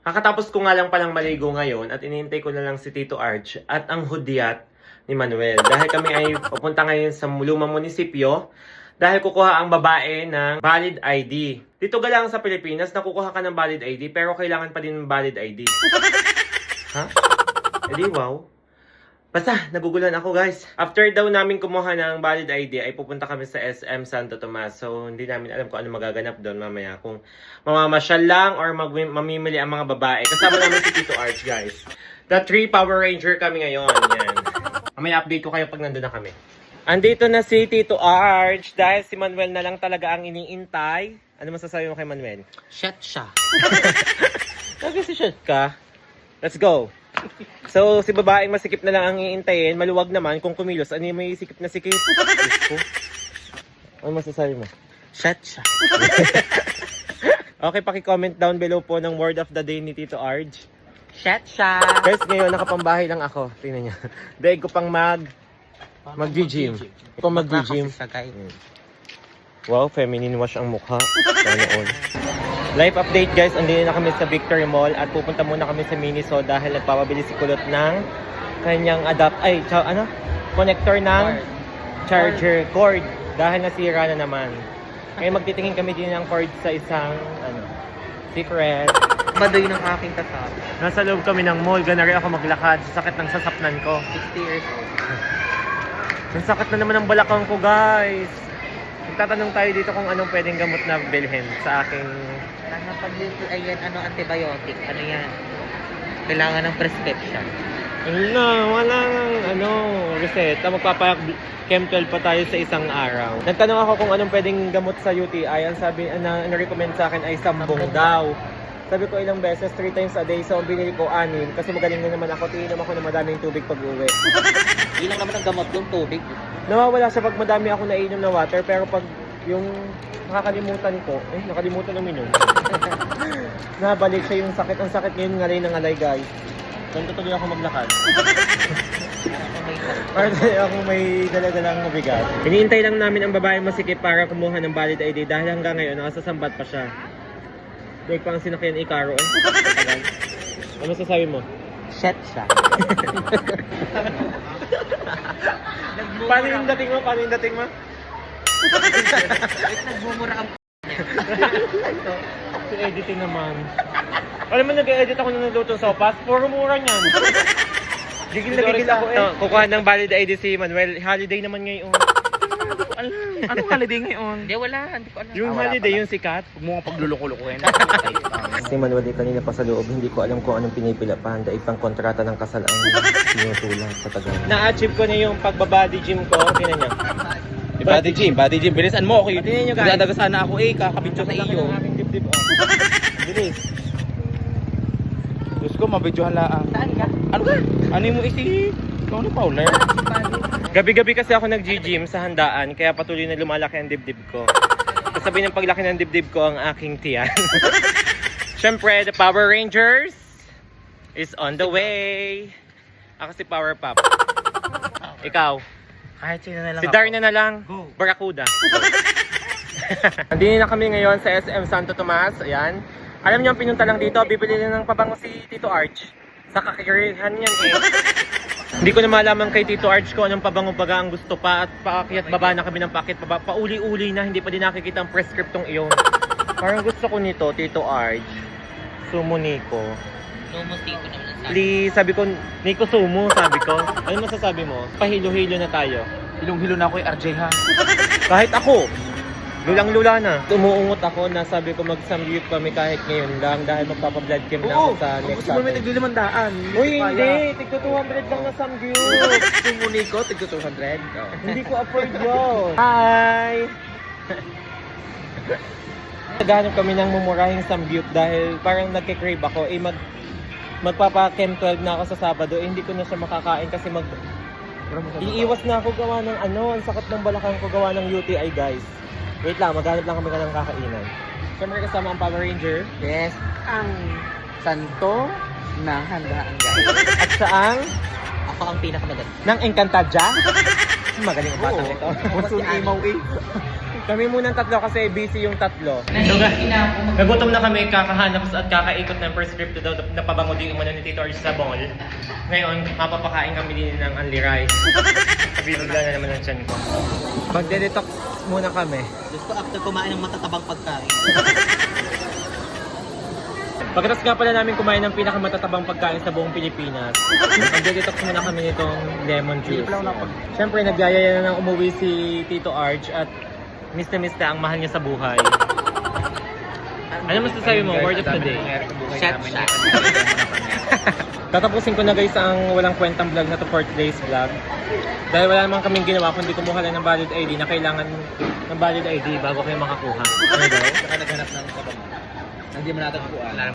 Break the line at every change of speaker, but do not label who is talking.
Kakatapos ko nga lang palang maligo ngayon at inihintay ko na lang si Tito Arch at ang hudyat ni Manuel. Dahil kami ay pupunta ngayon sa lumang munisipyo dahil kukuha ang babae ng valid ID. Dito galang sa Pilipinas, nakukuha ka ng valid ID pero kailangan pa din ng valid ID. Ha? Edi wow. Basta, nagugulan ako guys. After daw namin kumuha ng valid ID, ay pupunta kami sa SM Santo Tomas. So, hindi namin alam kung ano magaganap doon mamaya. Kung mamamasyal lang or mamimili ang mga babae. Kasama namin si Tito Arch guys. The 3 Power Ranger kami ngayon. Yan. Mamaya update ko kayo pag nandun na kami. Andito na si Tito Arch dahil si Manuel na lang talaga ang iniintay. Ano masasabi mo kay Manuel?
Shot siya.
Lagi si shot ka. Let's go. So, si babaeng masikip na lang ang iintayin. Maluwag naman kung kumilos. Ano yung may sikip na sikip? Ano masasabi mo?
Shot siya.
Okay, paki-comment down below po ng word of the day ni Tito Arch.
Shot siya.
Guys, ngayon nakapambahay lang ako. Tingnan niya. Dahil ko pang mag-gym. Ito mag-gym. Wow, feminine wash ang mukha. Sana all. Life update guys, andito na kami sa Victory Mall at pupunta muna kami sa Miniso dahil nagpapabili si Kulot ng kanyang connector ng charger cord dahil nasira na naman. Kaya magtitingin kami din ng cord sa isang secret.
Baduy ng aking kasama.
Nasa loob kami ng mall, ganari ako maglakad sa sakit ng sasapnan ko.
60 years old.
Ang sakit na naman ng balakang ko guys. Magtatanong tayo dito kung anong pwedeng gamot na bilhin sa aking...
Ayan, antibiotic. Ano yan? Kailangan ng prescription.
Walang reseta. Magpapa-chem12 pa tayo sa isang araw. Nagtanong ako kung anong pwedeng gamot sa UTI. Ang sabi, na-recommend sa akin ay sambong daw. Sabi ko ilang beses, 3 times a day. So, binili ko 6. Kasi magaling na naman ako. Tiinom ako ng madaming tubig pag-uwi.
Ilang naman ang gamot yung tubig.
Nawawala siya pag madami ako nainom na water. Pero pag yung nakakalimutan ko, nakalimutan ng minom. Nabalik siya yung sakit. Ang sakit ngayon ngalay ng ngalay guys. Ganito tuloy ako maglakad. Para ako may dala-dalang mabigat. Hinihintay lang namin ang babae masikip para kumuha ng valid ID dahil hanggang ngayon nakasasambat pa siya. Dahil pa ang sinakyan Icaro Ano sasabi mo?
Shot siya.
Paano yung dating mo?
Nagmumura ang
Si editing naman. Alam mo, nag-edit ako ng nalutong sopas. Puro mura niyan. Gigil na gigil ako kukuha ng valid ID si Manuel. Holiday naman ngayon.
Anong holiday ngayon? Hindi, wala. Hindi ko alam.
Yung holiday, yung sikat.
Huwag mo nga pagluluko-lukuhin.
Si Manuel kanina pa sa loob. Hindi ko alam kung anong pinipila pa. Dahil pang kontrata ng kasal ang sinusulat sa tagal. Na-achieve ko na yung pagbabody gym ko. Tingnan niya.
Body gym. Bilisan mo ako.
Tingnan niyo guys.
Dadaga sana ako kakabidyo sa iyo.
Dibdib. Bilis.
Diyos ko, mabidyohan lang. Saan ka? Ano ka? Ano mo isi? Ikaw ni Paula.
Gabi-gabi kasi ako nag-gym sa handaan, kaya patuloy na lumalaki ang dibdib ko. Kasabi ng paglaki ng dibdib ko ang aking tiyan. Siyempre, the Power Rangers is on the way. Ako si Power Pop. Ikaw?
Kahit sino na lang
Si Darna na lang.
Go.
Barracuda. Andito na kami ngayon sa SM Santo Tomas. Ayan. Alam niyo ang pinunta lang dito, bibili na ng pabango si Tito Arch. Sa kakirihan yan Hindi ko na malaman kay Tito Arch ko anong pabango-baga ang gusto pa at paakyat baba na kami ng paakyat baba. Pauli-uli na, hindi pa din nakikita ang prescriptong iyon. Parang gusto ko nito, Tito Arch. Sumo Nico.
Sumo Nico naman ang sabi.
Please, sabi ko, Nico Sumo, sabi ko. Ano masasabi mo? Pahilo-hilo na tayo.
Hilong-hilo na ako RJ ha.
Kahit ako. Lulang-lula na. Umuungot ako na sabi ko mag-samgyup kami kahit ngayon lang dahil magpapa-blood chem na ako sa next
Gusto mo may
Saturday.
nagli-500.
Uy, hindi! Tigto 200 lang na samgyup!
Sumo Nico, tigto 200.
Hindi ko afford yun! Hi! Naghanap kami ng mumurahing samgyup dahil parang nagkikrave ako. Magpapa-chem 12 na ako sa Sabado. Hindi ko na siya makakain kasi iiwas na ako gawa ng ang sakit ng balakang ko gawa ng UTI guys. Wait lang, maghanap lang kami ng kakainan. Siyempre kasama ang Power Ranger.
Yes, ang santo na handaan guys.
At saang
Ako ang pinakamagaling.
ng Encantadia. Magaling ang batang ito.
Basta si Imaw
Kami munang tatlo kasi busy yung tatlo. So, nagutom na kami, kakahanap at kakaikot ng prescripto daw na pabango din umano ni Tito Arch sa mall. Ngayon, mapapakain kami din ng Only Rice. Bibigla na naman ang tiyan ko. Magde-detox muna kami.
Gusto after kumain ng matatabang pagkain.
Pagkatapos nga pala namin kumain ng pinakamatatabang pagkain sa buong Pilipinas, magde-detox muna kami nitong lemon juice. Siyempre, nagyayaya na nang umuwi si Tito Arch at miss na ang mahal niya sa buhay. Ano masasabi mo? Word of the day.
Shot.
Tatapusin ko na guys ang walang kwentang vlog na to for today's vlog. Dahil wala naman kaming ginawa kundi kumuha lang ng valid ID na kailangan ng valid ID bago kayo makakuha. Ano daw?
Saka naghanap ng sabang. Hindi mo natin kuhaan.